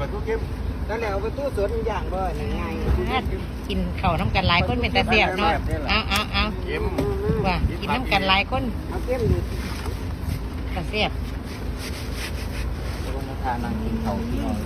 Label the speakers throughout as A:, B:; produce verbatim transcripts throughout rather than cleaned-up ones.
A: ลาทูเค็มนั่นแหละเอาปลาทูสดอย่างบ่ง่าย
B: กินข้าวน้ำกันหลายคนเป็นตาเสียบเนาะเอาเอาเอาว่ากินน้ำกันหลายคน
A: เอาเค็มดิ
B: ตาเสียบ
C: ลงมาทานนั่งกินข้าวที่นอน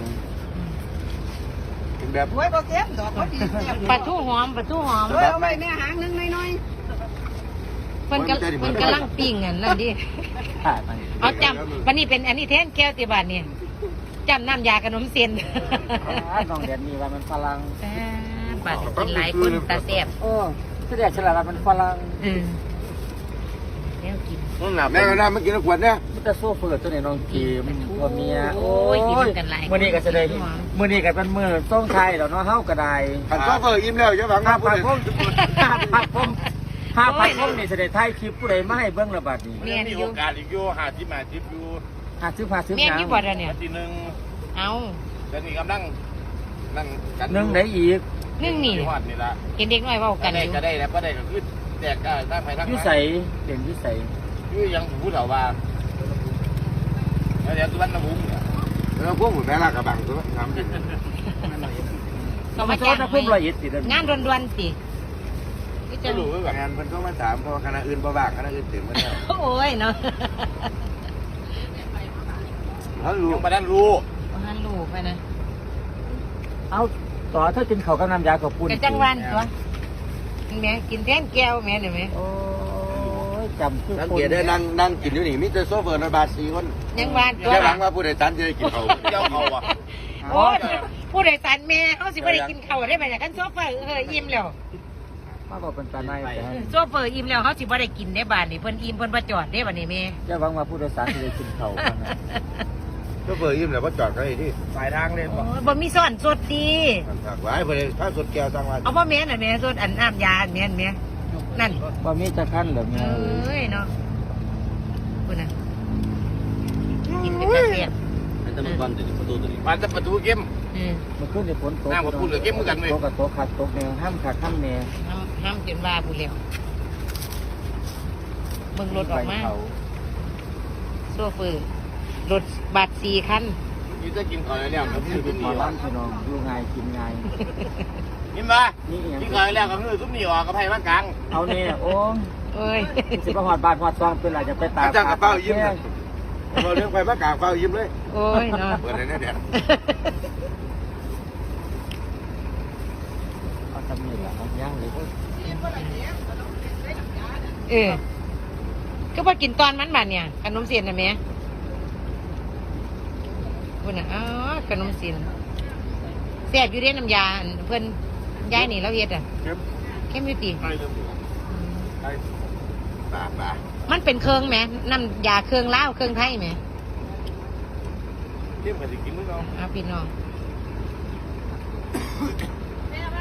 A: กินแบบไว้บ่เค็มดอกบ่ดี
B: ปลาทูหอมปลาทูหอม
A: เอาไว้แม่หางนึงน้อย
B: ๆเพิ่นกำเพิ่นกำลังปิ้งอันนั่นดิเอาจำวันนี้เป็นอันนี้แทนแก้วติบาทเนี่ยจำน้ำยาขนมเส้น
C: น้องเดียนมีว่ามันฝรั่ง
B: บาดกินหลายคนตาเสียบ
C: โอ้แสดงฉลาดว่ามันฝรั่ง
B: แล้วกิน
A: แม่ก็ได้มากินขวดเนี่ย
C: มันจะโซ่เฟิร์ตัวนี้น้องกีมันตัวเมีย
B: โอ้ยกินกันหลาย
C: มื้อนี้ก็จะได้มื้อนี้ก็เป็นมื้อส่งไทยแล้วเนาะเฮาก็ได้
A: ขันโซ่เฟิร์อิ่มแล้วจะหวัง
C: ห้าพันพงห้าพันพงห้าพันพงนี่จะได้ไทยคลิปผู้ใดมาให้เบิ่งระบาดนี้
D: มีโอกาสอีกอยู่หาที่มาทิพอยู่
C: หาซื้อผ้าซื้อหนัง
B: แม่นี่บ่ได้เนี่ย
D: ทีนึง
B: เอา
D: แต่นี่กำลังนั่ง
C: กันนึงได้อีก
B: นึงนี่
D: นี่ละ
B: เห็นเด็กน้อยเว้ากันอยู่
D: ก็ได้แล้วก็ได้ก็คือแตกได้ทั้งไปทั้ง
C: อยู่ใส่เด่นอยู่ใส่
D: อยู่ยังผู้เฒ่าว่าแล้วเดี๋ยวสุวรรณภูมิ
A: แล้วพวกหมูแม่ลากระบังตัวน้ำ
B: ก็มาจ้าง
C: พุ่มละเอียดติด
B: งานด่วนๆสิ
D: จะรู้แบบ
A: งานเพิ่นก็มาถามเพราะคณะอื่นบ่ว่างคณะอื่นเต็มหมดแล้ว
B: โอ้ยเนาะ
A: เขารู้
D: ยังบ่ได้รู้
B: บ่ทันรู้ไปนะ
C: เอาต่อถ้ากินข้าวกับน้ำยากับปุ้น
B: กะจังหวันตัวแม่กินแทนแก้วแม่นี่แม่
C: โอ้ยจำคือ
A: สังเกตได้นั่งนั่งกินอยู่นี่มีแต่โซเฟอร์นบาสี่คน
B: ยังหวานตัว
A: แค่หวังว่าผู้โดยสารจะได้กินเขา
D: เจ้าเขาอ่ะ
B: โอ้ยผู้โดยสารแม่เขาสิบ่ได้กินข้าวได้บัดนี้กันโซเฟอร์เอออิ่มแล้ว
C: มาบอกเป็นตาในแต่
B: โซเฟอร์อิ่มแล้วเขาสิบ่ได้กินได้บาดนี้เพิ่นอิ่มเพิ่นบ่จอดได้บัดนี้แม่
C: จะหวังว่าผู้โดยสารจะได้กินข้าว
A: โซเฟอร์อิ่มแล้วว่าจอดเขาอีกที่
D: สายทางเลยบ่
B: บ่มีซ่อนสดดี
A: ฝากไว้เพิ่นถ้าสดแก้วสั่งว่า
B: เอาบ่แม่นน่ะแม่สดอันน้ำยาอันแม่นแม่นั่น
C: บ่มีจะคั่นเหรอแม่
B: เอ้ยเนาะคุณน่ะกินเป็นตาเสียบ
D: มันจะมันจะประตูตัวนี้มันจะประตูเข้ม
B: อืม
C: มันขึ้นในฝนตก
D: น้ำมาพูดเหลือเข้มเหมือนกันเว้ย
C: ตกกับตกขัดตกแนวห้ามขัดห้ามแนว
B: ห้ามห้ามจนว่าผู้เร็วเบิ่งรถออกมาโซเฟอร์รถบัสสี่คัน
D: ยูจะกินก่อนแล้วก็คือ
C: กินมาล้างพี่น้องดูง่ายกินง่าย
D: กินมากินก่อนแล้วก็คือซุปนี่ออกกับไผ่มากลาง
C: เอาเนี่ยโอ้
B: เอ้ย
C: สิบหอดบาทหอดซองเป็นไรจะไปตาม
A: จ้างกระเป๋ายิ้มเราเรื่องไปมากลางเป๋ายิ้มเลย
B: โอ้ยเนาะ
A: เปิดอะไรเนี่ยเดี๋ยว
C: เอาทำนี่แหละเอาย่างเลย
B: เออก็พอกินตอนมันบัดเนี่ยขนมเสียนนะแม่คุณน่ะอ๋อขนมเสียนแซ่บอยู่เด้น้ำยาเพิ่นยายนี่เราเฮ็ดอ่ะเข้มเข้มอยู่ติ
A: ปลาปลา
B: มันเป็นเครื่องแม่น้ำยาเครื่องลาวเครื่องไทยแม่
D: เข้มก็สิกินมื้อเนาะ
B: เอาพี่น้อง